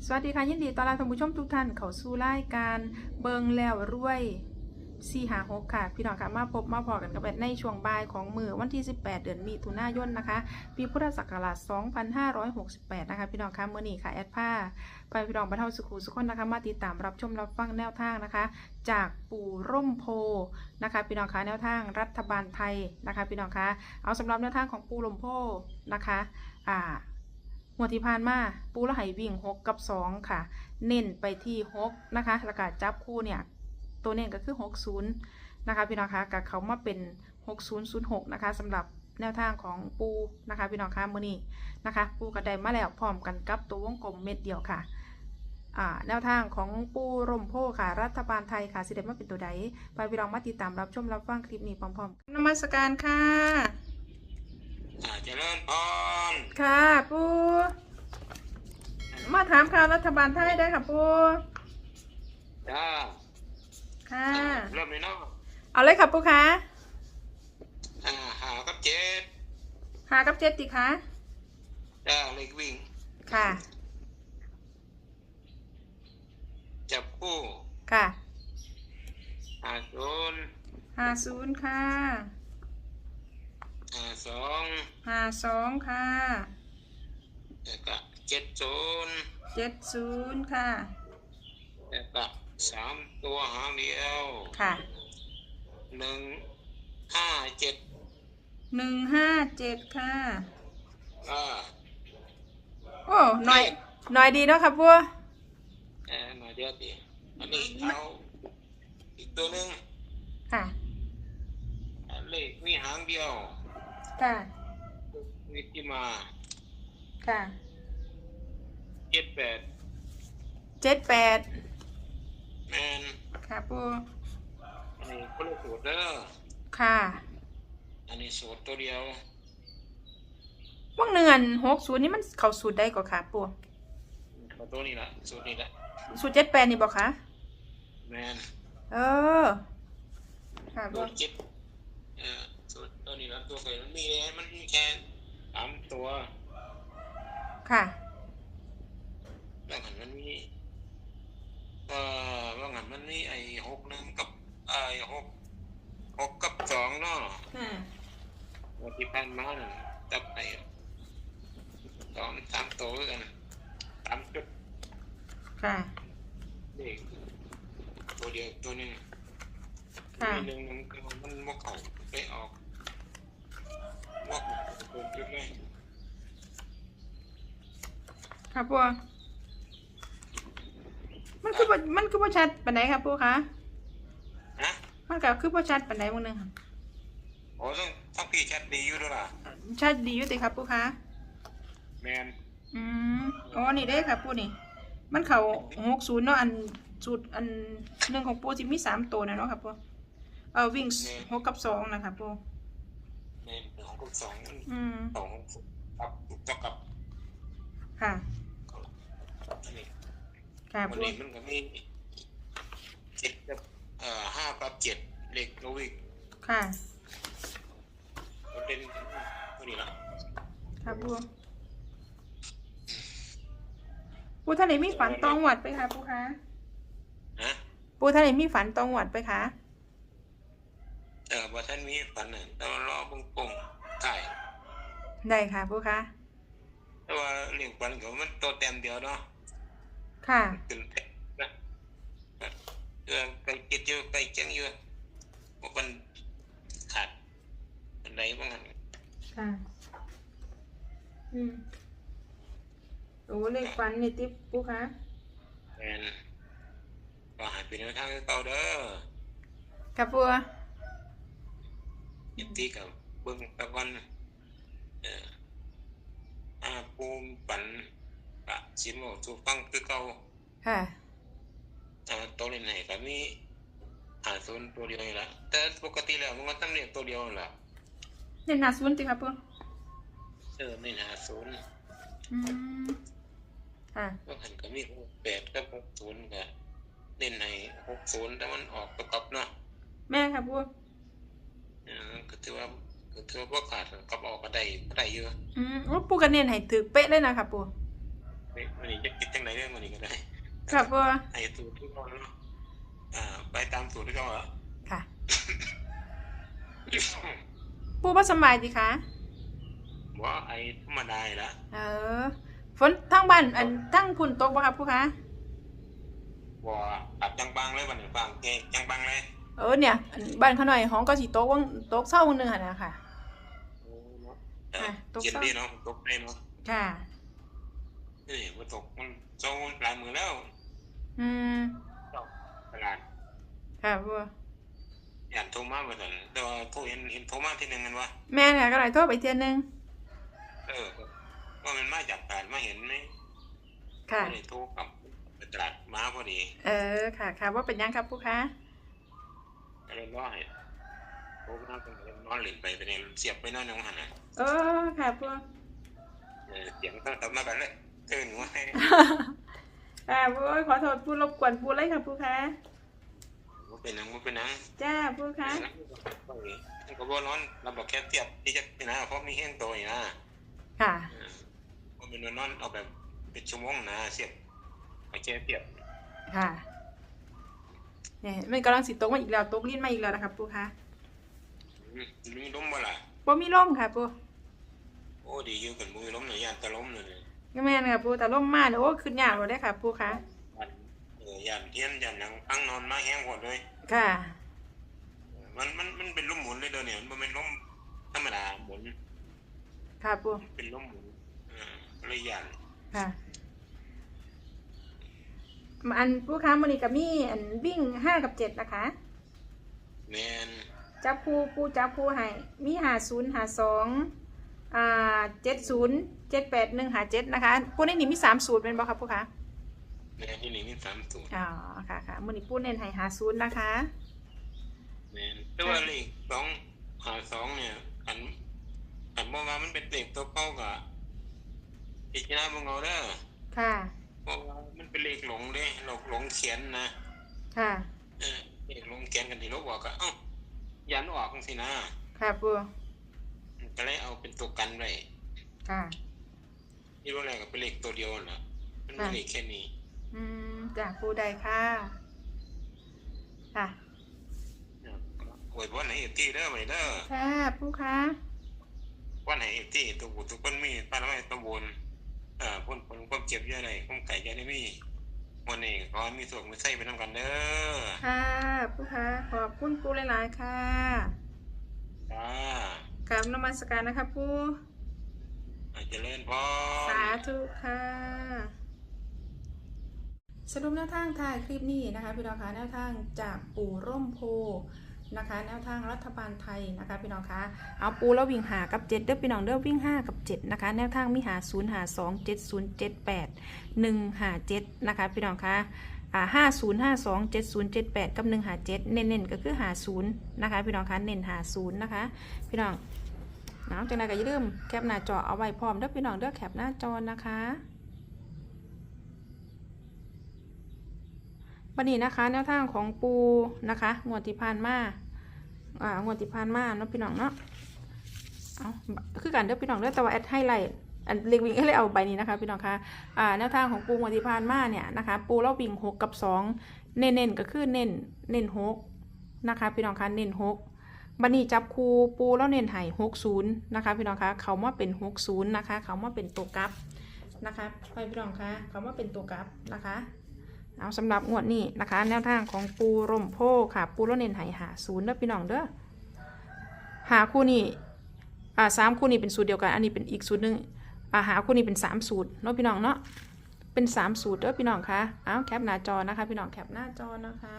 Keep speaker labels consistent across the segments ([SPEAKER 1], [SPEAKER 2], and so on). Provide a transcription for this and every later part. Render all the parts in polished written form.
[SPEAKER 1] สวัสดีค่ะยินดีต้อนรับท่านผู้ชมทุกท่านเข้าสู่รายการเบิงแล้วรวย456ค่ะพี่น้องค่ะมาพบมาพอกันกับในช่วงบ่ายของมื้อวันที่18เดือนมิถุนายนนะคะปีพุทธศักราช2568นะคะพี่น้องค่ะมื้อนี้ค่ะแอดผ้าไปพี่น้องบรรเทาสุขุสุขคนนะคะมาติดตามรับชมรับฟังแนวทางนะคะจากปู่ร่มโพนะคะพี่น้องค่ะแนวทางรัฐบาลไทยนะคะพี่น้องค่ะเอาสำหรับแนวทางของปู่ร่มโพนะคะหัวที่ผ่านมาปูละไหวิ่ง6กับ2ค่ะเน้นไปที่6นะคะแล้วก็จับคู่เนี่ยตัวเน้นก็คือ60นะคะพี่น้องคะกับเขามาเป็น6006นะคะสำหรับแนวทางของปูนะคะพี่น้องคะมื้อนี้นะคะปูกระไดมาแล้วพร้อมกันกับตัววงกลมเม็ดเดียวค่ะแนวทางของปูร่มโพค่ะรัฐบาลไทยค่ะสิเดมาเป็นตัวใดไปพี่น้องมาติดตามรับชมรับฟังคลิปนี้พร้อมๆนมัสการค่ะ
[SPEAKER 2] เจริญพร
[SPEAKER 1] ค่ะปูมาถามข่าวรัฐบาลไทยได้ค่ะปู
[SPEAKER 2] จ้า
[SPEAKER 1] ค่ะ
[SPEAKER 2] เริ่มเลยเนาะ
[SPEAKER 1] เอาเลยค่ะปูคะ
[SPEAKER 2] หากับเจ็ด
[SPEAKER 1] หากับ7ติคะ
[SPEAKER 2] จ้าเล็กวิ่ง
[SPEAKER 1] ค่ะ
[SPEAKER 2] จับคู่
[SPEAKER 1] ค่ะ
[SPEAKER 2] 50
[SPEAKER 1] ค่ะ
[SPEAKER 2] 52
[SPEAKER 1] ค่ะ
[SPEAKER 2] แล้วก็70
[SPEAKER 1] 70ค่ะ
[SPEAKER 2] แล้วก็3ตัวหางเดียว
[SPEAKER 1] ค่ะ157ค่ะโอ้หน่อยดีเนาะค่ะปู
[SPEAKER 2] มาเดียวดิอันนี้เอาอีกตัวหนึ่ง
[SPEAKER 1] ค่ะ
[SPEAKER 2] เลขมีหางเดียว
[SPEAKER 1] ค่ะ
[SPEAKER 2] มีที่มา
[SPEAKER 1] ค่ะ
[SPEAKER 2] 78แมน
[SPEAKER 1] ค่ะปู
[SPEAKER 2] อันนี้คนละสูตรเด้อ
[SPEAKER 1] ค่ะ
[SPEAKER 2] อันนี้สูตรตัวเดียว
[SPEAKER 1] ว่างเนือน60นี่มันเข้าสูตรได้ก่อค่ะปู
[SPEAKER 2] เขาตัวนี้ละสูตรนี้ละ
[SPEAKER 1] สูตร78นี่บ่คะ
[SPEAKER 2] แมน
[SPEAKER 1] ค่ะ
[SPEAKER 2] สูตรสูตรตัวนี้ละตัวเคยมันมีเลยมันมีแค่3ตัว
[SPEAKER 1] ค่ะ
[SPEAKER 2] บางหันมันมีบางหันมันมีไอ้61กับ6กับ2เนาะวันที่ผ่านมาน่ะจับไอ้3ตัวกัน3จุด
[SPEAKER 1] ค่ะ
[SPEAKER 2] เลขตัวเดียวตัวนึง
[SPEAKER 1] ค่ะ
[SPEAKER 2] นึงมันบ่เข้าไปออกบ่ตัวจุดเลย
[SPEAKER 1] ค่ะปูมันคือบ่ชัดปานใดครับปูคะ
[SPEAKER 2] ฮะ
[SPEAKER 1] มันก็คือบ่ชัดปานใดมื้อนึงค่ะ
[SPEAKER 2] โอ้ต้องพี่ชัดดีอยู่ด้วยล่ะ
[SPEAKER 1] ชัดดีอยู่ติครับปูคะ
[SPEAKER 2] แมน
[SPEAKER 1] อ๋อนี่เด้ค่ะปูนี่มันเข้า60เนาะอันสูตรอันหนึ่งของปูสิมี3ตัวนะเนาะครับปูวิ่ง6กับ2นะครับปู
[SPEAKER 2] แมน6กับ2มัน2ครับเท่ากับ
[SPEAKER 1] ค่ะ
[SPEAKER 2] อันนี้
[SPEAKER 1] ค่ะ
[SPEAKER 2] วันนี้มันก็มี7กับ5กับ7เลขโลวิก
[SPEAKER 1] ค่ะ
[SPEAKER 2] มันเป็นตัวนี้ละ
[SPEAKER 1] ค่ะปูท่านไหนมีฝันตองหวัดไปคะปูคะปูท่านไหนมีฝันตองหวัดไปคะ
[SPEAKER 2] ว่าท่านมีฝันน่ะต้องรอปุ่งถ่าย
[SPEAKER 1] ได้ค่ะปูคะ
[SPEAKER 2] แต่ว่าเรื่องฝันของมันตัวเต็มเดียวเนาะ
[SPEAKER 1] ค่ะ
[SPEAKER 2] ตื่นเต้นนะไปคิดอยู่ไปเจังอยู่ว่ามันขาดอะไรบ้างกัน
[SPEAKER 1] ค่ะโอ้เลขฝันนี่ติ๊บปูคะ
[SPEAKER 2] แมนก็หายไปในทางเก่าเด้อ
[SPEAKER 1] กับปู
[SPEAKER 2] ยินดีกับเบิ้งตะวันปูมปั่นกะชิมเอาถูกต้องคือเก่า
[SPEAKER 1] ค่ะ
[SPEAKER 2] ตัวเล่นไหนก็มี50ตัวเดียวนี่ละแต่ปกติแล้วมันก็ต้องเรียกตัวเดียวนั่นแหละ
[SPEAKER 1] เน้น50ติครับปู
[SPEAKER 2] เน้น50
[SPEAKER 1] ค่ะ
[SPEAKER 2] ก็หันก็มี68กับ60ก็เน้นให้60แต่มันออกประกอบเนาะ
[SPEAKER 1] แม่ครับปู
[SPEAKER 2] ก็ถือว่าบ่ขาดกับออกก็ได้อยู่
[SPEAKER 1] โอ้ปูก็เน้นให้ถึกเป๊ะเลยนะครับปู
[SPEAKER 2] วันนี้จะคิดจังไหนเรื่องวันนี้ก็ได้
[SPEAKER 1] ค่ะปู
[SPEAKER 2] ไอ้สูตรที่เราเนาะไปตามสูตรที่เราอะ
[SPEAKER 1] ค่ะ ปูบ่สำบายดีคะ
[SPEAKER 2] ว่าไอ้ธรรมดาละ
[SPEAKER 1] เออฝนทั้งบ้านทั้งพุ่นตกบ่ครับปูคะ
[SPEAKER 2] ว่าตัดจังบังเลยวันนี้บังเกจังบังเลย
[SPEAKER 1] เนี่ยบ้านเขาหน่อยห้องก็สิตกวังตกเช้าวันหนึงหั่นน่ะค่ะ ตก
[SPEAKER 2] เย็น
[SPEAKER 1] เศร้า
[SPEAKER 2] ดีเนาะตกได้เนาะ
[SPEAKER 1] ค่ะ
[SPEAKER 2] นี่มันตกมันโซ่หลายมือแล้ว
[SPEAKER 1] อืม
[SPEAKER 2] ตลาด
[SPEAKER 1] ค่ะปู
[SPEAKER 2] ย่านโทรมาบ่ทันแต่ว่าโทรเห็นโทรมาทีนึงกันว่า
[SPEAKER 1] แม่นค่ะก็เลยโทรไปเทื่อนึง
[SPEAKER 2] ว่ามันมาจากตลาดมาเห็นไหม
[SPEAKER 1] ค่ะ
[SPEAKER 2] ก็เลยโทรกลับไปตลาดมาพอดี
[SPEAKER 1] ค่ะว่าเป็นยังครับปูคะ
[SPEAKER 2] ก็เลยว่าให้โทรมาตรงนี้นอนหลินไปเนี่ยเสียบไปนอนในห้องหันน่ะ
[SPEAKER 1] ค่ะปู
[SPEAKER 2] เสียงตั้งแต่มากันเลยตื่นว่าให้
[SPEAKER 1] ปูขอโทษปูรบกวนปูเลยค่ะปูคะ
[SPEAKER 2] บ่เป็นหนังบ่เป็นหนัง
[SPEAKER 1] จ้าปูคะ
[SPEAKER 2] มันก็บ่ร้อนเราบอกแค่เทียบที่จะนะเพราะมีแห้งตัวอยู่นะ
[SPEAKER 1] ค่ะ
[SPEAKER 2] บ่เป็นนอนเอาแบบเป็นชั่วโมงนะเสียบเอาแค่เทียบ
[SPEAKER 1] ค่ะเนี่ยมันกำลังสิตกมาอีกแล้วตกลิ้นมาอีกแล้วนะครับปูคะ
[SPEAKER 2] มีลมบ่ล่ะ
[SPEAKER 1] ปูมีลมค่ะปู
[SPEAKER 2] โอ้ดีอยู่กันบ่มีลมน่ะย่านตะลมเลย
[SPEAKER 1] ก็แม่นค่ะปูแต่ลมมาเนี่ยโอ้ขึ้นยากเลยได้อค่ะปูคะ
[SPEAKER 2] ย่านเทียนย่านหยังพังนอนมาแห้งหมดเลย
[SPEAKER 1] ค่ะ
[SPEAKER 2] มันเป็นลมหมุนเลยเด้อเนี่ยมันบ่แม่นลมธรรมดาหมุน
[SPEAKER 1] ค่ะปู
[SPEAKER 2] เป็นลมหมุนเลยย่าน
[SPEAKER 1] ค่ะอันปูคะมันนี่ก็มีอันวิ่ง5 กับ 7นะคะ
[SPEAKER 2] แม่น
[SPEAKER 1] จับคู่ปูจับคู่ให้มี50 52 70 78 157นะคะปูในนี่มี3สูตรเป็นบ่ครับปูคะ
[SPEAKER 2] แม่นที่นี่มี3สูตร
[SPEAKER 1] อ๋อค่ะมันนี่ปูเน้นให้50นะคะ
[SPEAKER 2] แม่นแต่ว่าเลข252เนี่ยอันบ่ว่ามันเป็นเลขตัวเก่าก็พิจารณาเบิ่งเอาเด้อ
[SPEAKER 1] ค่ะ
[SPEAKER 2] เพราะว่ามันเป็นเลขหลงเด้หลงเขียนนะ
[SPEAKER 1] ค่ะ
[SPEAKER 2] เลขหลงเขียนกันที่เราบอกก็ยันออกจังซี่นะ
[SPEAKER 1] ค่ะปู
[SPEAKER 2] ก็เลยเอาเป็นตัวกันไว้
[SPEAKER 1] ค่ะ
[SPEAKER 2] ที่ว่าอะไรก็เป็นเลขตัวเดียวนั่นล่ะมันมีเลขแค่นี้
[SPEAKER 1] จากปูใดค่ะ ค่ะ
[SPEAKER 2] อวยพรให้เอฟที่เด้อไว้เด้อ
[SPEAKER 1] ค่ะปูคะ
[SPEAKER 2] วันให้เอฟที่ทุกคนมีปานไว้ตะบนพ้นความเจ็บเยอะได้ความไก่เยอะได้มีวันนี้ขอให้มีสุขมีไส้ไปนำกันเด้อ
[SPEAKER 1] ค่ะปูคะขอบคุณปูหลายๆค่ะ
[SPEAKER 2] จ้าก
[SPEAKER 1] ราบนมัสการนะคะปู
[SPEAKER 2] เจริญพร
[SPEAKER 1] สาธุค่ะ สรุปแนวทางท้ายคลิปนี้นะคะพี่น้องคะแนวทางจากปู่ร่มโพนะคะแนวทางรัฐบาลไทยนะคะพี่น้องคะเอาปูแล้ววิ่งหากับ7เด้อพี่น้องเด้อวิ่ง5กับ7นะคะแนวทางมีหา0หา2 70 78 1หา7นะคะพี่น้องคะ50 52 70 78กับ1หา7เน้นๆก็คือหา0นะคะพี่น้องคะเน้นหา0นะคะพี่น้องจังได๋ก็อย่าลืมแคปหน้าจอเอาไว้พร้อมเด้อพี่น้องเด้อแคปหน้าจอนะคะวันนี้นะคะแนวทางของปูนะคะงวดที่ผ่านมางวดที่ผ่านมาเนาะพี่น้องเนาะเอาคือกันเด้อพี่น้องเด้อแต่ว่าแอดให้ไลท์อันเล็กวิ่งให้เลยเอาใบนี้นะคะพี่น้องคะแนวทางของปูงวดที่ผ่านมาเนี่ยนะคะปูเราวิ่ง6กับ2เน้นๆก็คือเน้น6นะคะพี่น้องคะเน้น6บัดนี้จับคูปูแล้วเน้นให้60นะคะพี่น้องคะเขามาเป็น60นะคะเขามาเป็นตัวกลับนะคะพี่น้องคะเขามาเป็นตัวกลับนะคะเอาสำหรับงวดนี้นะคะแนวทางของปูร่มโพค่ะปูแล้วเน้นให้หา0เด้อพี่น้องเด้อหาคู่นี้3คู่นี้เป็นสูตรเดียวกันอันนี้เป็นอีกสูตรนึงหาคู่นี้เป็น3สูตรเนาะพี่น้องเนาะเป็น3สูตรเด้อพี่น้องคะเอาแคปหน้าจอนะคะพี่น้องแคปหน้าจอนะคะ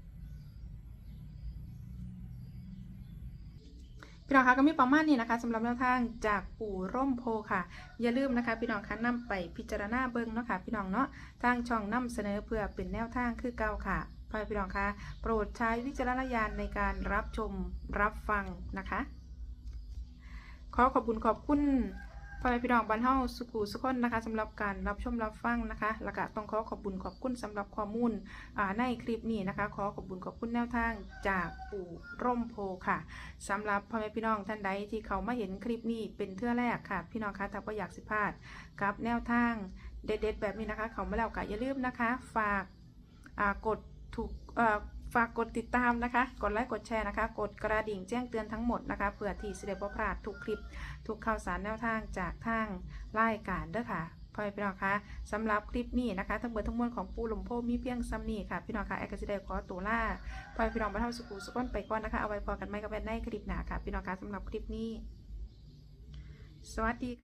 [SPEAKER 1] พี่น้องคะก็มีประมาณนี้นะคะสำหรับแนวทางจากปู่ร่มโพค่ะอย่าลืมนะคะพี่น้องคะนำไปพิจารณาเบิ่งเนาะค่ะพี่น้องเนาะทางช่องนำเสนอเพื่อเป็นแนวทางคือเก่าค่ะพี่น้องคะโปรดใช้วิจารณญาณในการรับชมรับฟังนะคะขอบคุณพ่อแม่พี่น้องบ้านเฮาสุขุสุขคนนะคะสำหรับการรับชมรับฟังนะคะแล้วก็ต้องขอบคุณสำหรับข้อมูลในคลิปนี้นะคะขอบคุณแนวทางจากปู่ร่มโพค่ะสำหรับพ่อแม่พี่น้องท่านใดที่เขามาเห็นคลิปนี้เป็นเทื่อแรกค่ะพี่น้องคะถ้าว่าอยากสิพลาดกับแนวทางเด็ดๆแบบนี้นะคะเขามาแล้วก็อย่าลืมนะคะฝากกดถูกฝากกดติดตามนะคะกดไลค์กดแชร์นะคะกดกระดิ่งแจ้งเตือนทั้งหมดนะคะเพื่อที่จะได้บ่พลาดทุกคลิปทุกข่าวสารแนวทางจากทางรายการเด้อค่ะพ่อพี่น้องคะสำหรับคลิปนี้นะคะทั้งหมดทั้งมวลของปูหลมโพมีเพียงซ้ำนี้ค่ะพี่น้องคะแอร์กสิเดขอตัวล่าพ่อพี่น้องมาเท่าสุขุสุขนไปก่อนนะคะเอาไว้พอกันไหมกับแม่ในคลิปหน้าค่ะพี่น้องคะสำหรับคลิปนี้สวัสดี